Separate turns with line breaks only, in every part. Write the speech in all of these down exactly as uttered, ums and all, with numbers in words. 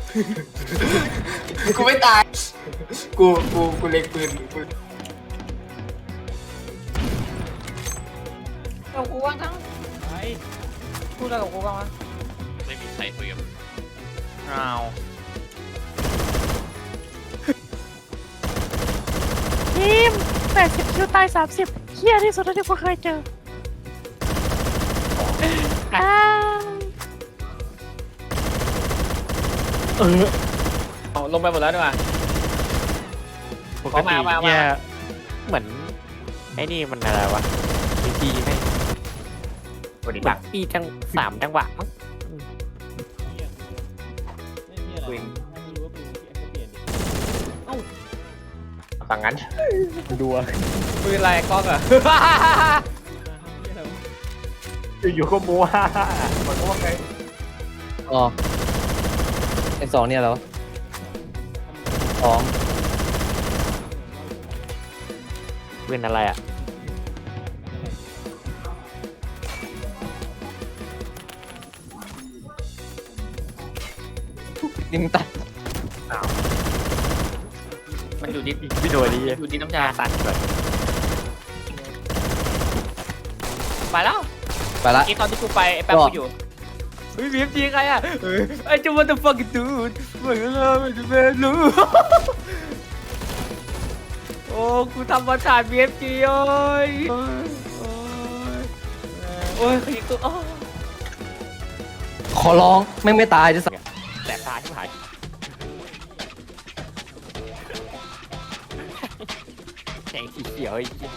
กูไม่ตายกูกูกูเล็งปืนกู
กับกูว่างทั้ง
ไอ้
พูดอะไรกับกูบ้างวะ
ไม่มีใครคุยกับ
เอา
ทีมแปดสิบคิวตายสามสิบเฮี้ยที่สุดที่กูเคยเจออ้าว
เออเอาลงไปหมดแล้วดีกว่า
ปกติเนี่ยเหมือนไอ้นี่มันอะไรวะบีจีไม่
สวัสดี
เห
ค
มื
รั
อบ นปีจังสามจังหวะมั้ง
ปืนฝั่งนั้นดูปืนอะไรกล้องอะ อยู่ก็มัวมันก็ว่าไง
อ๋อไอสองเนี่ยเหรอสอง
เป็นอะไรอ่ะ
ยิงตัด
มันอยู่ดิ
พี่โดนดี
อยู่ดิน้ำชา
ตัดก่อน
ไปแล้ว
ไปละ
อีตอนที่กูไปไอ้แป๊บกูอยู่เฮ้ยบีเอ็มจีใครอะไอ้เจ้า what the fuck dude เหมือนเราไม่รู้ โอ้กูทำมาถ่าย บี เอฟ จี โอ้ยโอ้ยโอ้ยขยิบตัว
ขอร้องไม่งไม่ตายจะสัก
แต่ตาที่หายแสงสีเขียวไอ้เหี้ย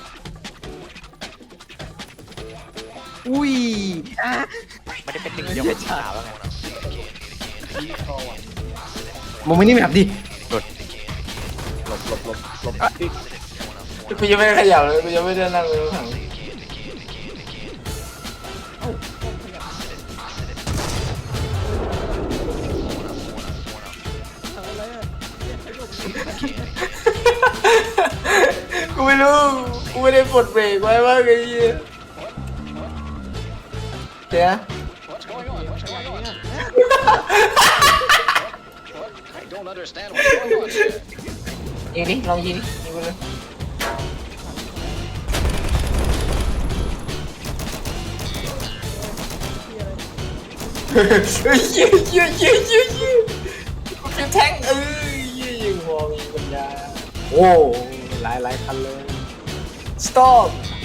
อุ้ย
ไม่ได้เป็นหนึ่งเดียวกับสาวแล้วไง
มึงไม่นี่แบบดิ
กูยังไม่ได้ขยับเลยกูยังไม่ได้นั่งเลยถังกูไม่รู้กูไม่ได้กดเบรกไว้ว่าไงเหี้ยเดี๋ยว ยิงดิลองยิงดิยิงไปเลยเฮ้ยเยี่ยเยี่ยเยี่ยเยี่ยเยี่ยกูจะแทงเอ้ยเยี่ยยิงมองยิงปัญญาโอ้หลายหลายคันเลย stop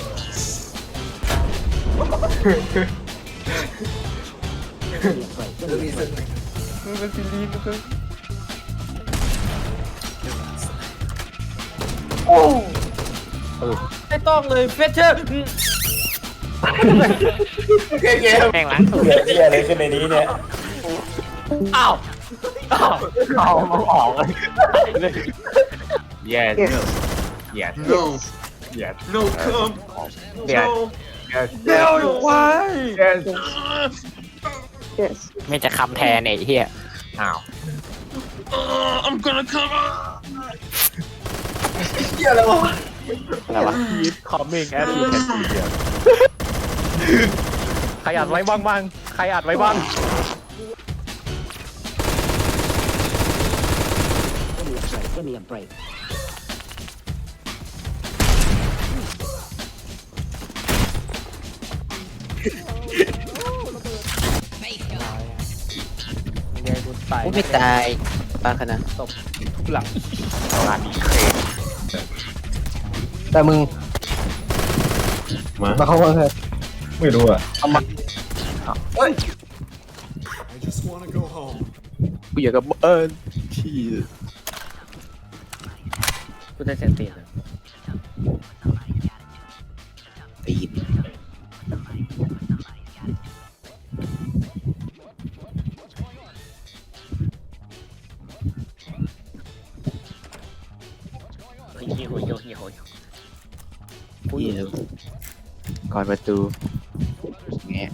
โอ้ไม่ต้องเลยเฟเชอร์เกม
แม่งล้างสูตร
เหี้ยอะไรขึ้นในนี้เนี่ย
อ้าว
เอามาออกเลย yes yes
no
yes
no come
yes yes
เดี๋ยวควาย
yes ไม่จะคำแทนไอ้เหี้ยอ้าว
I'm gonna come
เหี้ยอะไรวะ
อะไรวะ
keep coming as you can see here ใครอัดไว้บ้างบ้างใครอัดไว้บ้าง
กูไม่ตายปาขนาด
ตบทุบหลัง
งานนี้เครน
แต่มึง
มา
มาเข้ามาเถอะ
ไม่รู้อ่ะ
เอามา
เฮ้ย
กูอยากกับเอิญที่
กูได้เสียงตีน
ตีน
เฮ้ยเฮ้ยเฮ้ยเฮ้ยเฮ้ย
กูอยู่ก่อนประตูแงะ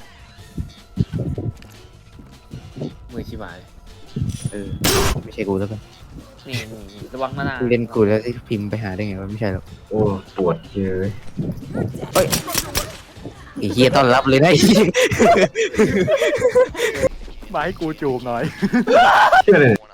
มือชิบหาย
เออไม่ใช่กูแล้วกัน
นี่ระวังมาหน้า
กูเล่นกูแล้วที่พิมพ์ไปหาได้ไงวะไม่ใช่หรอก
โอ้ปวดเยอะ
ไอ้เฮียต้อนรับเลยนะไอ้เหี้ย
มาให้กูจูบหน่อย
ชื่ออะไรเนี่ย